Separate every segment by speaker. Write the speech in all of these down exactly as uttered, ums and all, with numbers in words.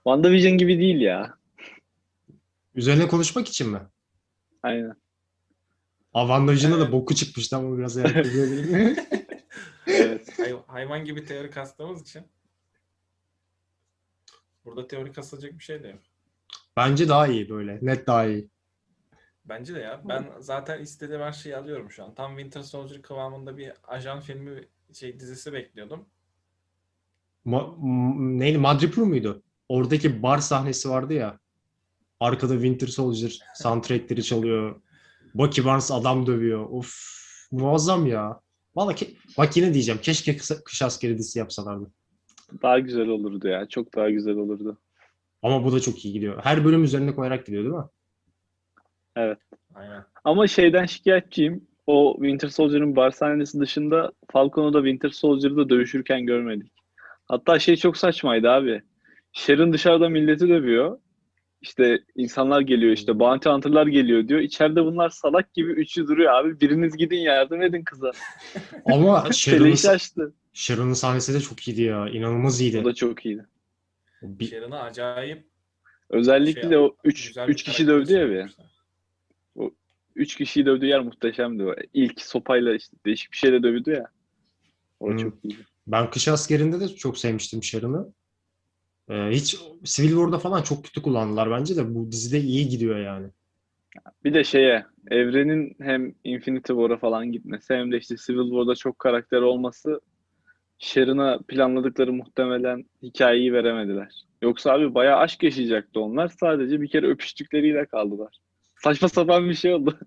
Speaker 1: WandaVision gibi değil ya.
Speaker 2: Üzerine konuşmak için mi?
Speaker 1: Aynen.
Speaker 2: Aa, WandaVision'da da
Speaker 3: Evet.
Speaker 2: boku çıkmıştı ama biraz yani kızabilirim.
Speaker 1: Evet.
Speaker 3: Hay- hayvan gibi teori kastığımız için burada teori kasılacak bir şey de yok.
Speaker 2: Bence daha iyi böyle. Net daha iyi.
Speaker 3: Bence de ya. Ben zaten istediğim her şeyi alıyorum şu an. Tam Winter Soldier kıvamında bir ajan filmi şey dizisi bekliyordum.
Speaker 2: Ma m- neydi? Madripoor muydu? Oradaki bar sahnesi vardı ya. Arkada Winter Soldier soundtrackleri çalıyor. Bucky Barnes adam dövüyor. Of, muazzam ya. Valla ke- bak yine diyeceğim. Keşke kısa, kış askeri dizisi yapsalardı.
Speaker 1: Daha güzel olurdu ya. Çok daha güzel olurdu.
Speaker 2: Ama bu da çok iyi gidiyor. Her bölüm üzerine koyarak gidiyor değil mi?
Speaker 1: Evet.
Speaker 3: Aynen.
Speaker 1: Ama şeyden şikayetçiyim. O Winter Soldier'ın bar sahnesi dışında Falcon'u da Winter Soldier'da dövüşürken görmedik. Hatta şey çok saçmaydı abi. Sharon dışarıda milleti dövüyor. İşte insanlar geliyor, işte bounty hunter'lar geliyor diyor. İçeride bunlar salak gibi üçü duruyor abi. Biriniz gidin yardım edin kıza.
Speaker 2: Ama Sharon'ın
Speaker 1: Keleşi açtı.
Speaker 2: Sharon'ın sahnesi de çok iyiydi ya. İnanılmaz
Speaker 1: O
Speaker 2: iyiydi.
Speaker 1: da çok iyiydi.
Speaker 2: Bir,
Speaker 3: Sharon'ı acayip şey
Speaker 1: Özellikle o üç
Speaker 3: güzel bir
Speaker 1: üç kişi
Speaker 3: karaktere
Speaker 1: dövdü ya bir.
Speaker 3: çevirmişler.
Speaker 1: O üç kişiyi dövdüğü yer muhteşemdi o. İlk sopayla işte değişik bir şeyle dövdü ya. O da
Speaker 2: hmm.
Speaker 1: çok iyiydi.
Speaker 2: Ben Kış Askeri'nde de çok sevmiştim Sharon'ı. Ee, hiç Civil War'da falan çok kötü kullandılar bence de bu dizide iyi gidiyor yani.
Speaker 1: Bir de şeye, evrenin hem Infinity War'a falan gitmesi hem de işte Civil War'da çok karakter olması Sharon'a planladıkları muhtemelen hikayeyi veremediler. Yoksa abi bayağı aşk yaşayacaktı onlar. Sadece bir kere öpüştükleriyle kaldılar. Saçma sapan bir şey oldu.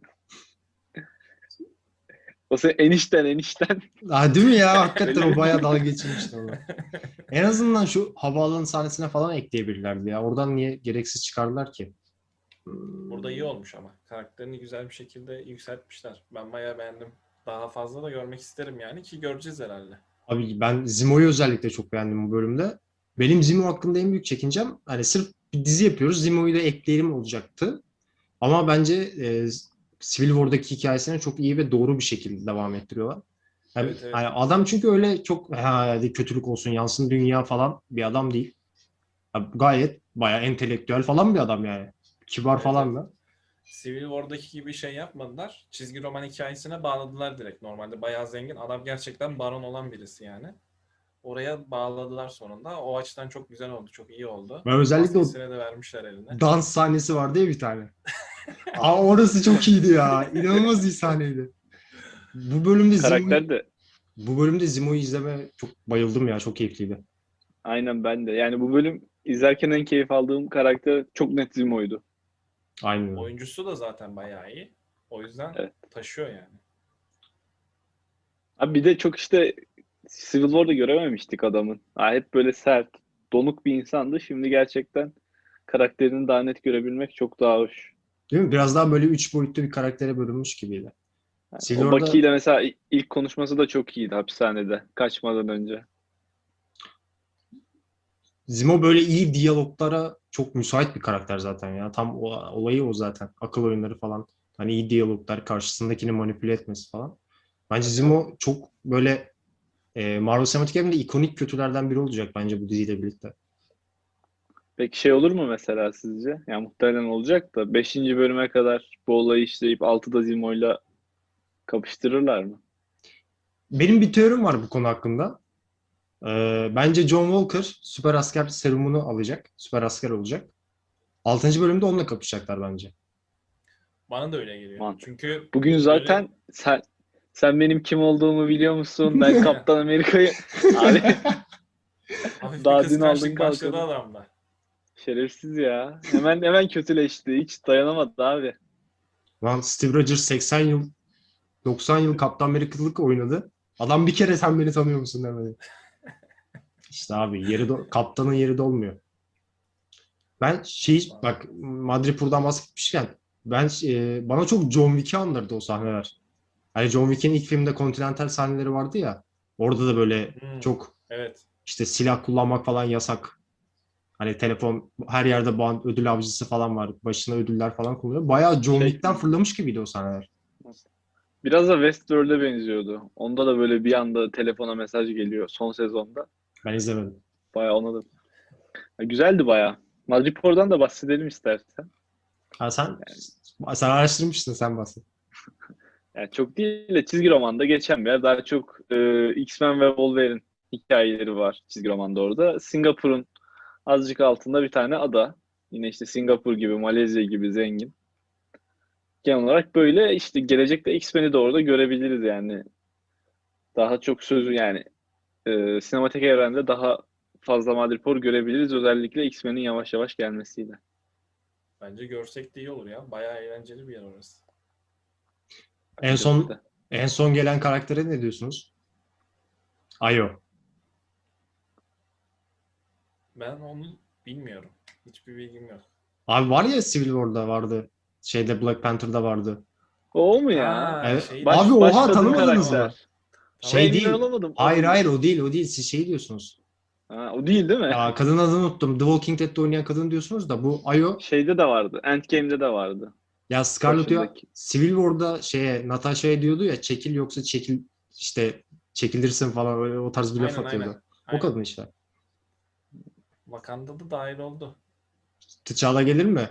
Speaker 1: O senin enişten enişten.
Speaker 2: Ha, değil mi ya? Hakikaten
Speaker 1: Öyle
Speaker 2: o bayağı
Speaker 1: bir...
Speaker 2: dalga geçirmişti onu. En azından şu havaalanı sahnesine falan ekleyebilirlerdi ya. Oradan niye gereksiz çıkardılar ki?
Speaker 3: Burada iyi olmuş ama. Karakterini güzel bir şekilde yükseltmişler. Ben bayağı beğendim. Daha fazla da görmek isterim yani ki göreceğiz herhalde.
Speaker 2: Abi ben Zimo'yu özellikle çok beğendim bu bölümde. Benim Zimo hakkında en büyük çekincem hani sırf bir dizi yapıyoruz. Zimo'yu da ekleyelim olacaktı. Ama bence e, Civil War'daki hikayesine çok iyi ve doğru bir şekilde devam ettiriyorlar. Yani,
Speaker 3: Evet evet.
Speaker 2: hani adam çünkü öyle çok ha, hadi kötülük olsun yansın dünya falan bir adam değil. Ya, gayet bayağı entelektüel falan bir adam yani. Kibar
Speaker 3: Evet evet.
Speaker 2: falan da.
Speaker 3: Civil War'daki gibi şey yapmadılar. Çizgi roman hikayesine bağladılar direkt. Normalde bayağı zengin. Adam gerçekten baron olan birisi yani. Oraya bağladılar sonunda. O açıdan çok güzel oldu. Çok iyi oldu.
Speaker 2: Ve özellikle o
Speaker 3: Maskesine de vermişler eline.
Speaker 2: dans sahnesi vardı ya bir tane. Aa, orası çok iyiydi ya. İnanılmaz iyi sahneydi. Bu bölümde Zimo'yu
Speaker 1: Karakter de
Speaker 2: bu bölümde Zimo'yu izleme çok bayıldım ya. Çok keyifliydi.
Speaker 1: aynen ben de. Yani bu bölüm izlerken en keyif aldığım karakter çok net Zimo'ydu.
Speaker 2: Aynen öyle.
Speaker 3: Oyuncusu da zaten bayağı iyi. O yüzden
Speaker 1: Evet.
Speaker 3: taşıyor yani.
Speaker 1: Abi bir de çok işte Civil War'da görememiştik adamın. Ha, hep böyle sert, donuk bir insandı. Şimdi gerçekten karakterini daha net görebilmek çok daha hoş.
Speaker 2: Değil mi? Biraz daha böyle üç boyutlu bir karaktere bölünmüş gibiydi. Civil
Speaker 1: O Bucky
Speaker 2: War'da
Speaker 1: ile mesela ilk konuşması da çok iyiydi hapishanede. Kaçmadan önce.
Speaker 2: Zimo böyle iyi diyaloglara çok müsait bir karakter zaten ya. Tam o, olayı o zaten. Akıl oyunları falan. Hani iyi diyaloglar, karşısındakini manipüle etmesi falan. Bence
Speaker 3: Tabii tabii.
Speaker 2: Zimo çok böyle e, Marvel Sinematik Evren'de ikonik kötülerden biri olacak bence bu diziyle birlikte.
Speaker 1: Peki şey olur mu mesela sizce? Yani muhtemelen olacak da beşinci bölüme kadar bu olayı işleyip altıda Zimo'yla kapıştırırlar mı?
Speaker 2: Benim bir teorim var bu konu hakkında. Ee, bence John Walker süper asker serumunu alacak. Süper asker olacak. Altıncı bölümde onunla kapışacaklar bence.
Speaker 3: Bana da öyle geliyor.
Speaker 1: Mantık.
Speaker 3: Çünkü
Speaker 1: Bugün
Speaker 3: böyle
Speaker 1: zaten sen sen benim kim olduğumu biliyor musun? Ben Kaptan Amerika'yı abi
Speaker 3: hafif bir
Speaker 1: daha dün aldın
Speaker 3: kıskançlık başladı
Speaker 1: kalkanı.
Speaker 3: adamda.
Speaker 1: Şerefsiz ya. Hemen hemen kötüleşti. Hiç dayanamadı abi.
Speaker 2: Lan Steve Rogers seksen yıl, doksan yıl Kaptan Amerika'lık oynadı. Adam bir kere sen beni tanıyor musun demedi. İşte abi yeri do- kaptanın yeri dolmuyor. Ben şey bak Madripoor'dan bahsetmişken ben e, bana çok John Wick'i andırdı o sahneler. Hani John Wick'in ilk filmde Continental sahneleri vardı ya. Orada da böyle
Speaker 3: Hmm,
Speaker 2: çok
Speaker 3: evet.
Speaker 2: işte silah kullanmak falan yasak. Hani telefon her yerde band, ödül avcısı falan var. Başına ödüller falan kullanıyor. Bayağı John
Speaker 1: Şey
Speaker 2: Wick'ten fırlamış gibiydi o sahneler.
Speaker 1: biraz da Westworld'e benziyordu. Onda da böyle bir anda telefona mesaj geliyor son sezonda.
Speaker 2: Ben izlemedim.
Speaker 1: Bayağı ona da. Ha, güzeldi bayağı. Madripoor'dan da bahsedelim istersen.
Speaker 2: Ha sen, sen araştırmışsın, sen bahset.
Speaker 1: Yani çok değil de çizgi romanda geçen bir yer. Daha çok e, X-Men ve Wolverine hikayeleri var çizgi romanda orada. Singapur'un azıcık altında bir tane ada. Yine işte Singapur gibi, Malezya gibi zengin. Genel olarak böyle işte gelecekte X-Men'i de orada görebiliriz yani. Daha çok sözü yani e, sinematik evrende daha fazla Madripoor görebiliriz. Özellikle X-Men'in yavaş yavaş gelmesiyle.
Speaker 3: Bence görsek de iyi olur ya. Bayağı eğlenceli bir yer orası.
Speaker 2: En son
Speaker 1: Açıkçası.
Speaker 2: en son gelen karaktere ne diyorsunuz? Ayo.
Speaker 3: Ben onu bilmiyorum. Hiçbir bilgim yok.
Speaker 2: Abi var ya, Civil War'da vardı. Şeyde, Black Panther'da vardı.
Speaker 1: O mu ya?
Speaker 3: Ha,
Speaker 2: Evet.
Speaker 3: şey
Speaker 1: Baş,
Speaker 2: Abi oha,
Speaker 1: başladığın
Speaker 2: tanımadınız mı?
Speaker 1: karakter.
Speaker 3: Tamam.
Speaker 2: Şey
Speaker 1: Emin
Speaker 2: değil.
Speaker 1: olamadım. O
Speaker 2: Hayır
Speaker 1: mu?
Speaker 2: hayır, o değil o değil. Siz şey diyorsunuz.
Speaker 1: Ha, o değil değil mi?
Speaker 2: Aa, kadın adını unuttum. The Walking Dead'de oynayan kadın diyorsunuz da bu Ayo.
Speaker 1: Şeyde de vardı. Endgame'de de vardı.
Speaker 2: Ya Scarlett ya
Speaker 1: Başındaki.
Speaker 2: Civil War'da şeye, Natasha'ya diyordu ya, çekil yoksa çekil, işte çekilirsin falan, öyle o tarz bir laf
Speaker 3: Aynen,
Speaker 2: atıyordu.
Speaker 3: aynen.
Speaker 2: O
Speaker 3: Aynen.
Speaker 2: kadın işte.
Speaker 3: Wakanda'da dahil oldu.
Speaker 2: T'Challa gelir mi?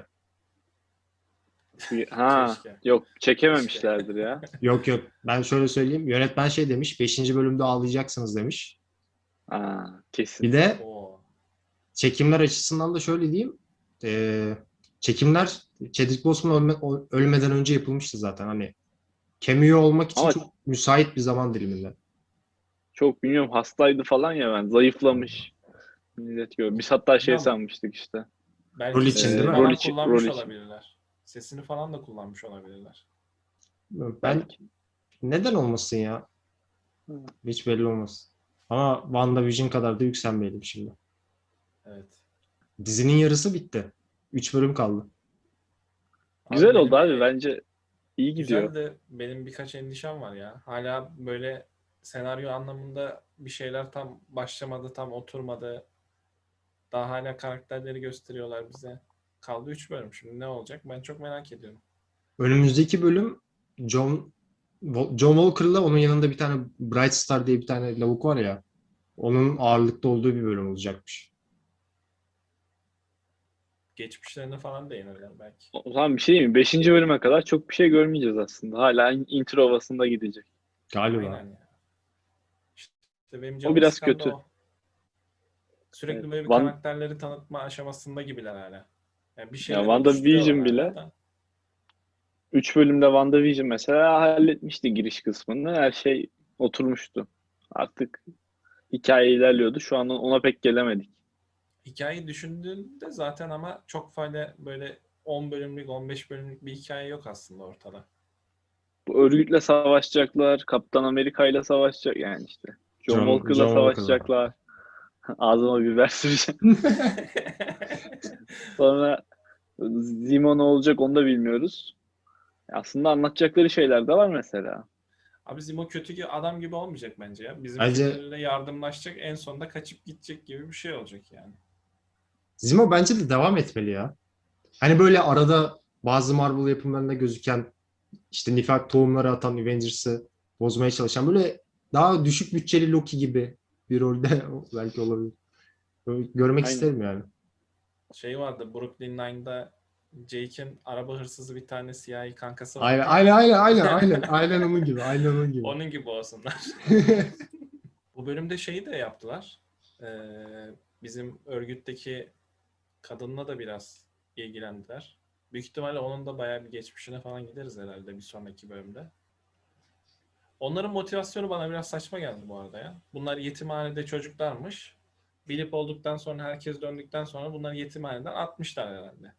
Speaker 1: Ha,
Speaker 3: Keşke.
Speaker 1: yok çekememişlerdir ya.
Speaker 2: Yok yok. Ben şöyle söyleyeyim. Yönetmen şey demiş. Beşinci bölümde ağlayacaksınız demiş.
Speaker 1: Ha, kesin.
Speaker 2: Bir de
Speaker 3: Oo.
Speaker 2: çekimler açısından da şöyle diyeyim. Ee, çekimler Chadwick Boseman ölme- o- ölmeden önce yapılmıştı zaten. Hani cameo olmak için
Speaker 1: Ama-
Speaker 2: çok müsait bir zaman diliminde.
Speaker 1: Çok bilmiyorum, hastaydı falan ya, ben zayıflamış. Millet gör. Biz hatta şey
Speaker 3: Bilmiyorum.
Speaker 1: sanmıştık işte.
Speaker 3: Belki
Speaker 2: Rol için
Speaker 3: sesini
Speaker 2: değil mi?
Speaker 3: falan
Speaker 1: Rol için-
Speaker 3: kullanmış
Speaker 1: rol için.
Speaker 3: olabilirler. Sesini falan da kullanmış olabilirler.
Speaker 2: Ben
Speaker 1: Belki.
Speaker 2: neden olmasın ya?
Speaker 1: Hı.
Speaker 2: Hiç belli olmaz. Ama WandaVision kadar da yükselmeyelim şimdi.
Speaker 3: Evet.
Speaker 2: Dizinin yarısı bitti. Üç bölüm kaldı.
Speaker 1: Güzel
Speaker 3: benim
Speaker 1: oldu abi,
Speaker 3: bir-
Speaker 1: bence iyi gidiyor.
Speaker 3: Güzel de benim birkaç endişem var ya. Hala böyle senaryo anlamında bir şeyler tam başlamadı, tam oturmadı. Daha hala karakterleri gösteriyorlar bize. Kaldı üç bölüm. Şimdi ne olacak? Ben çok merak ediyorum.
Speaker 2: Önümüzdeki bölüm John John Walker'la onun yanında bir tane Bright Star diye bir tane lavuk var ya. Onun ağırlıkta olduğu bir bölüm olacakmış.
Speaker 3: Geçmişlerine falan değinirler belki.
Speaker 1: O zaman bir şey diyeyim mi? Beşinci bölüme kadar çok bir şey görmeyeceğiz aslında. Hala intro havasında gidecek.
Speaker 2: Galiba.
Speaker 3: Aynen ya. İşte benim
Speaker 1: O
Speaker 3: canımı
Speaker 1: biraz
Speaker 3: sıkan da
Speaker 1: kötü.
Speaker 3: o. Sürekli
Speaker 1: Evet.
Speaker 3: böyle bir
Speaker 1: Van-
Speaker 3: karakterleri tanıtma aşamasında gibiler hala. Yani bir
Speaker 1: Ya
Speaker 3: şeyler
Speaker 1: WandaVision
Speaker 3: oluşturuyorlar
Speaker 1: bile
Speaker 3: hala da.
Speaker 1: üç bölümde WandaVision mesela halletmişti giriş kısmını. Her şey oturmuştu. Artık hikaye ilerliyordu. Şu an ona pek gelemedik.
Speaker 3: Hikayeyi düşündüğünde zaten ama çok fazla böyle on bölümlük, on beş bölümlük bir hikaye yok aslında ortada.
Speaker 1: Bu örgütle savaşacaklar. Kaptan Amerika ile savaşacak yani işte. John,
Speaker 2: John-
Speaker 1: Walker'la
Speaker 2: John Walker'la.
Speaker 1: savaşacaklar. Ağzıma biber süreceğim. Sonra Zemo ne olacak onu da bilmiyoruz. Aslında anlatacakları şeyler de var mesela.
Speaker 3: Abi Zemo kötü ki adam gibi olmayacak bence ya. Bizim
Speaker 2: Bence-
Speaker 3: şeylerle yardımlaşacak, en sonunda kaçıp gidecek gibi bir şey olacak yani.
Speaker 2: Zemo bence de devam etmeli ya. Hani böyle arada bazı Marvel yapımlarında gözüken, işte nifak tohumları atan, Avengers'ı bozmaya çalışan, böyle daha düşük bütçeli Loki gibi bir rolde belki olabilir. Böyle görmek
Speaker 1: Aynen.
Speaker 2: isterim yani.
Speaker 3: Şey vardı, Brooklyn Nine'da Jake'in araba hırsızı bir tane siyahi kankası vardı.
Speaker 2: Aynen aynen aynen aynen aynen aynen onun gibi aynen onun gibi.
Speaker 3: Onun gibi olsunlar. Bu bölümde şeyi de yaptılar. Ee, bizim örgütteki kadınla da biraz ilgilendiler. Büyük ihtimalle onun da bayağı bir geçmişine falan gideriz herhalde bir sonraki bölümde. Onların motivasyonu bana biraz saçma geldi bu arada ya. Bunlar yetimhanede çocuklarmış. Bilip olduktan sonra, herkes döndükten sonra bunları yetimhaneden atmışlar herhalde.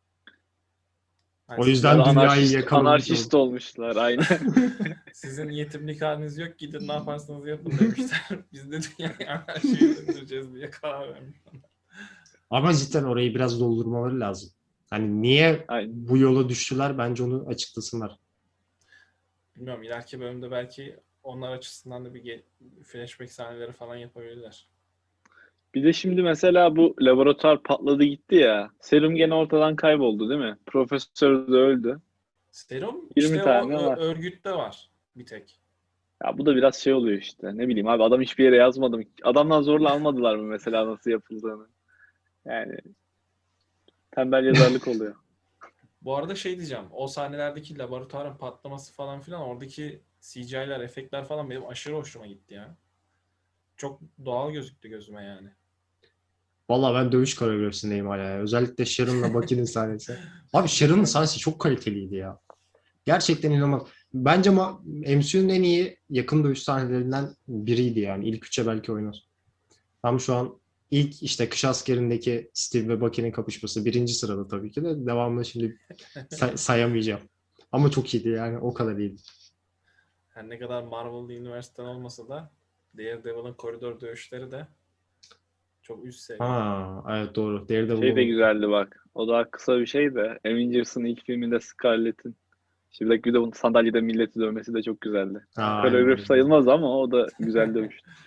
Speaker 3: Hani
Speaker 2: O
Speaker 3: sizin-
Speaker 2: yüzden
Speaker 1: Ya da
Speaker 2: dünyayı
Speaker 1: anarşist,
Speaker 2: yakalamış
Speaker 1: anarşist olmuşlar aynen.
Speaker 3: sizin yetimlik haliniz yok, gidin ne yaparsanız yapın demişler. Biz de dünyayı anarşiye döndüreceğiz diye karar vermiş.
Speaker 2: Ama cidden orayı biraz doldurmaları lazım. Hani niye
Speaker 1: Aynen.
Speaker 2: bu yola düştüler, bence onu açıklasınlar.
Speaker 3: Bilmiyorum, ileriki bölümde belki onlar açısından da bir ge- flashback sahneleri falan yapabilirler.
Speaker 1: Bir de şimdi mesela bu laboratuvar patladı gitti ya. Serum gene ortadan kayboldu değil mi? Profesör de öldü.
Speaker 3: Serum
Speaker 1: yirmi
Speaker 3: işte
Speaker 1: tane
Speaker 3: o ö-
Speaker 1: var.
Speaker 3: örgütte var bir tek.
Speaker 1: Ya bu da biraz şey oluyor işte. Ne bileyim abi, adam hiçbir yere yazmadı mı? Adamdan zorla almadılar mı mesela nasıl yapıldığını? Yani Tembel yazarlık oluyor.
Speaker 3: Bu arada şey diyeceğim. O sahnelerdeki laboratuvarın patlaması falan filan oradaki C G I'ler, efektler falan benim aşırı hoşuma gitti ya. Çok doğal gözüktü gözüme yani.
Speaker 2: Valla ben dövüş koreografisindeyim hala ya. Özellikle Sharon'la Bucky'nin sahnesi. Abi Sharon'ın sahnesi çok kaliteliydi ya. Gerçekten inanılmaz. Bence ma- M C U'nun en iyi yakın dövüş sahnelerinden biriydi yani. İlk üçe belki oynar. Tam şu an ilk işte Kış Askeri'ndeki Steve ve Bucky'nin kapışması birinci sırada tabii ki de. Devamını şimdi say- sayamayacağım. Ama çok iyiydi yani o kadar iyiydi.
Speaker 3: Her ne kadar Marvel Üniversiteden olmasa da Daredevil'ın koridor dövüşleri de çok üst seviye.
Speaker 2: Ha evet doğru.
Speaker 1: Şey de
Speaker 2: Daredevil'ın
Speaker 1: güzeldi bak. O daha kısa bir şey de Avengers'ın ilk filminde Scarlett'in şimdi bir de bunun sandalyede milleti dövmesi de çok güzeldi.
Speaker 2: ha, aynen
Speaker 1: Koreografi
Speaker 2: öyle.
Speaker 1: sayılmaz ama o da güzel dövüştü.